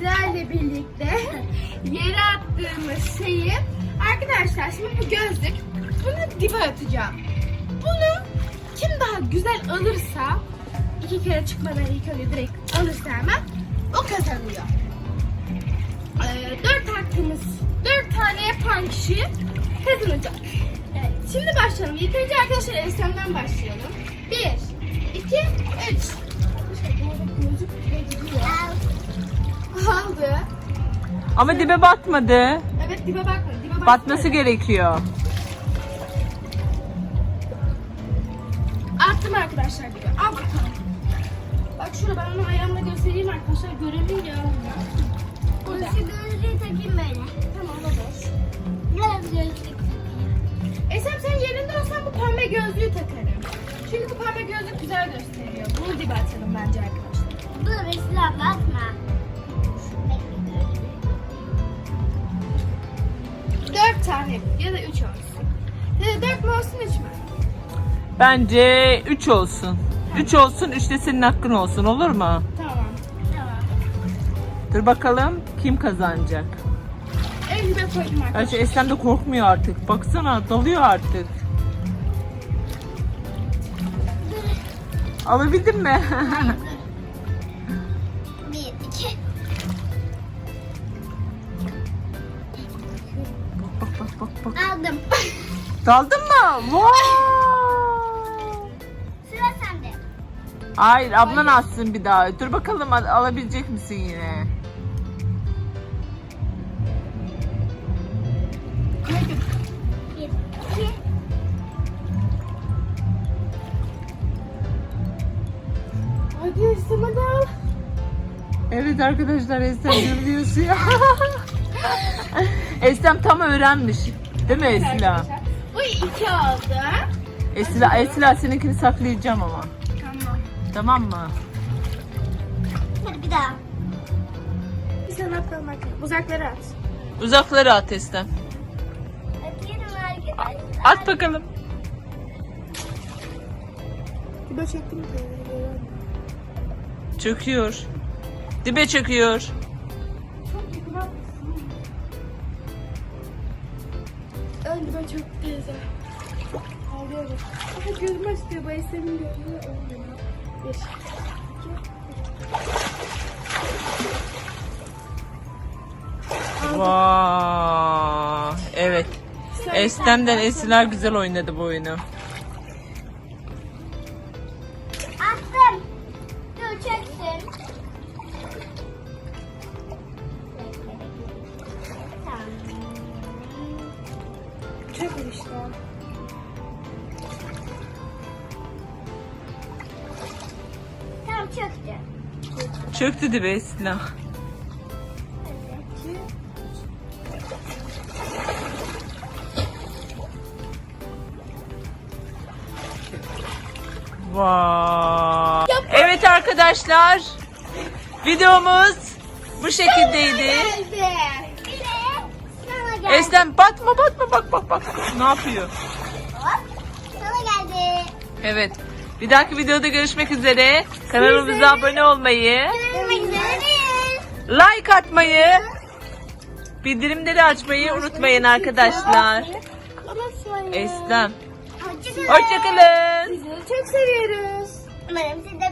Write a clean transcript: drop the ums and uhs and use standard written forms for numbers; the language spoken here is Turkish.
sizlerle birlikte yere attığımız şeyi arkadaşlar, şimdi bu gözlük, bunu dibe atacağım. Bunu kim daha güzel alırsa, 2 kere çıkmadan ilk önce direkt alırsa hemen o kazanıyor. 4 hakkımız, 4 tane yapan kişi kazanacak. Evet, şimdi başlayalım. İlk önce arkadaşlar Eslem'den başlayalım. 1, 2, 3. Aldı. Ama dibe batmadı. Evet, dibe bakma. Dibe bakma. Batması gerekiyor. Attım arkadaşlar dibe. Al bakalım. Bak şurada ben onu ayağımla göstereyim arkadaşlar. Görevim ya. Burada. Şu gözlüğü takayım böyle. Tamam, o boş. Biraz gözlük takayım. Esem sen yerinde olsan bu pembe gözlüğü takarım. Çünkü bu pembe gözlük güzel gösteriyor. Bunu dibe atalım bence arkadaşlar. Dur Esra bakma. 4 tane ya da 3 olsun. Ya da 4 mü olsun 3 mü? Bence 3 olsun. 3 olsun, 3 de senin hakkın olsun, olur mu? Tamam. Tamam. Dur bakalım kim kazanacak. En dibe koydum arkadaşlar. Gerçi Eslem de korkmuyor artık. Baksana, dalıyor artık. Alabildin mi? 1, 2. Bak. Aldım. Daldın mı? Wow! Sıra sende. Hayır, ablan alsın bir daha. Dur bakalım alabilecek misin yine? Koydum. 1, 2. Hadi Esem hadi al. Evet arkadaşlar, Eslem görüyorsun ya. Eslem tam öğrenmiş. Değil mi Esla? Arkadaşlar, bu 2 oldu. Esla seninkini saklayacağım ama. Tamam. Tamam mı? Hadi bir daha. Bir sana bakalım bakalım. Uzaklara at. Uzaklara at Eslem. Atıyorum arkadaşlar. At bakalım. Dibe çektim mi? Çöküyor. Dibe çöküyor. Çok yakın atmışsın. Ön dibe çok teyze. Ağlıyorum. Ama gözüm açtı. Bu Esem'in gözünü olmuyor. 1, 2, 3. Vay. Evet. Eslem'den Esla güzel oynadı bu oyunu. Attım. Dur çeksin. Tamam. Çok işte. Tamam çöktü. Çöktü dibe Esla. Vay. Evet arkadaşlar. Videomuz bu şekildeydi. Geldi. Bir de sana geldi. Eslem batma bak. Ne yapıyor? Hop, sana geldi. Evet. Bir dahaki videoda görüşmek üzere. Kanalımıza abone olmayı, Görüşmek üzere. like atmayı, bildirimleri açmayı unutmayın arkadaşlar. Unutmayın. Eslem. Hoşçakalın. Hoşçakalın. Sizi çok seviyoruz. Umarım siz de